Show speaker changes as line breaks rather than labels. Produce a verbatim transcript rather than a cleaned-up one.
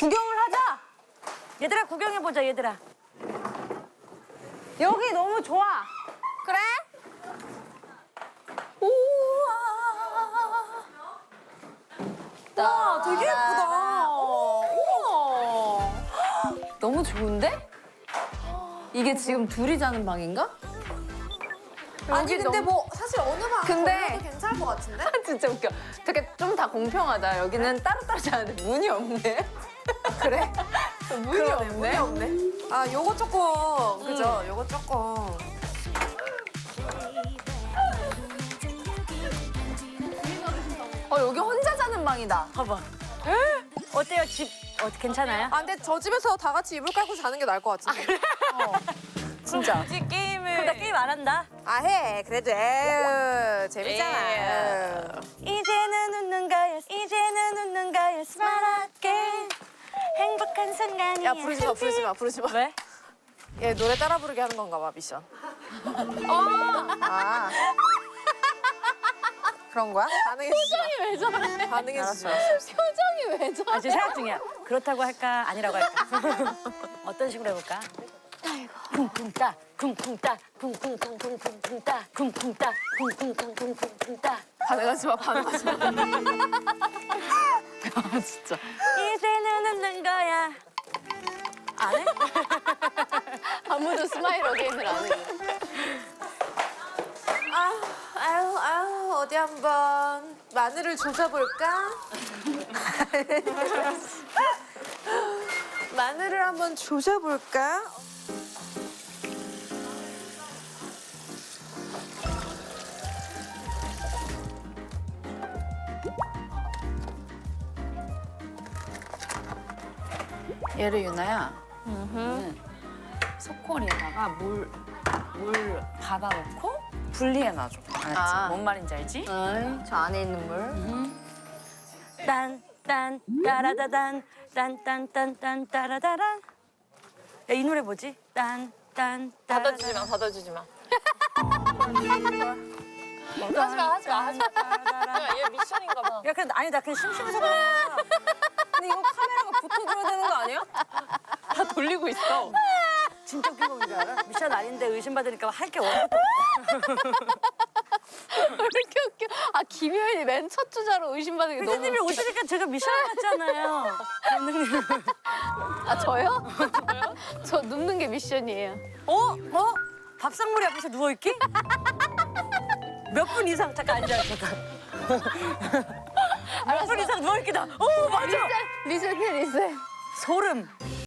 구경을 하자.
얘들아 구경해보자 얘들아.
여기 너무 좋아.
그래?
우와. 와, 되게 예쁘다. 우와.
너무 좋은데? 이게 지금 둘이 자는 방인가?
아니 근데 뭐 사실 어느 방
근데-
걸려도 괜찮을 것 같은데?
진짜 웃겨. 되게 좀 다 공평하다. 여기는 따로따로 자는데 문이 없네.
그래?
문이 없네.
문이 없네. 아, 요거 조금 그죠? 요거 조금.
어, 여기 혼자 자는 방이다.
봐봐. 어때요 집? 어, 괜찮아요?
아, 근데 저 집에서 다 같이 이불 깔고 자는 게 나을 것 같은데.
진짜.
굳이 게임을. 그럼 나 게임 안 한다.
아, 해. 그래도 에휴, 재밌잖아. 에휴.
이제는 웃는 거야. 이제는 웃는 거야. 스마트게 행복한 순간이야.
야, 부르지 마, 부르지 마, 부르지 마.
왜?
얘 노래 따라 부르게 하는 건가 봐, 미션. 아. 그런 거야? 반응해주지 마.
왜 저래?
반응해주지 마.
표정이 왜 저래?
아, 지금 생각 중이야. 그렇다고 할까 아니라고 할까. 어떤 식으로 해볼까? 쿵쿵따 쿵쿵따 쿵쿵쿵쿵쿵쿵따 쿵쿵따 쿵쿵쿵쿵쿵쿵따.
반응하지 마, 반응하지 마.
아, 진짜.
이제는 웃는 거야. 안 해?
아무도 스마일 어게인을 안 해.
아, 아유, 아유, 어디 한번 마늘을 조져볼까? 마늘을 한번 조져볼까?
얘를 유나야. 응. 소콜에다가 물, 물 받아놓고 분리해놔줘. 알았지?
아.
뭔 말인지 알지?
응, 저 안에 있는 물.
딴딴 따라다단 딴딴딴딴 따라다란. 야, 이 노래 뭐지? 딴딴
받아주지 마, 받아주지 마.
하지 마, 하지 마, 하지 마.
얘 미션인가 봐.
야, 근데 아니 나 그냥 심심해서 그래.
근데 이거 카메라가 붙어 들어야 되는 거 아니야?
다 돌리고 있어.
진짜 웃긴 거 뭔지 알아? 미션 아닌데 의심받으니까 할 게 없어.
왜 이렇게 웃겨? 아, 김효연이 맨 첫 주자로 의심받는 게 너무
선생님이
웃겨.
오시니까 제가 미션 같잖아요. 감독님.
아, 저요? 저요? 저 눕는 게 미션이에요.
어? 어? 밥상머리 앞에서 누워있기? 몇 분 이상 잠깐 앉아 잠깐. 몇 분 이상 누워있기다. 오 맞아.
리셋, 리셋 해, 리셋.
소름.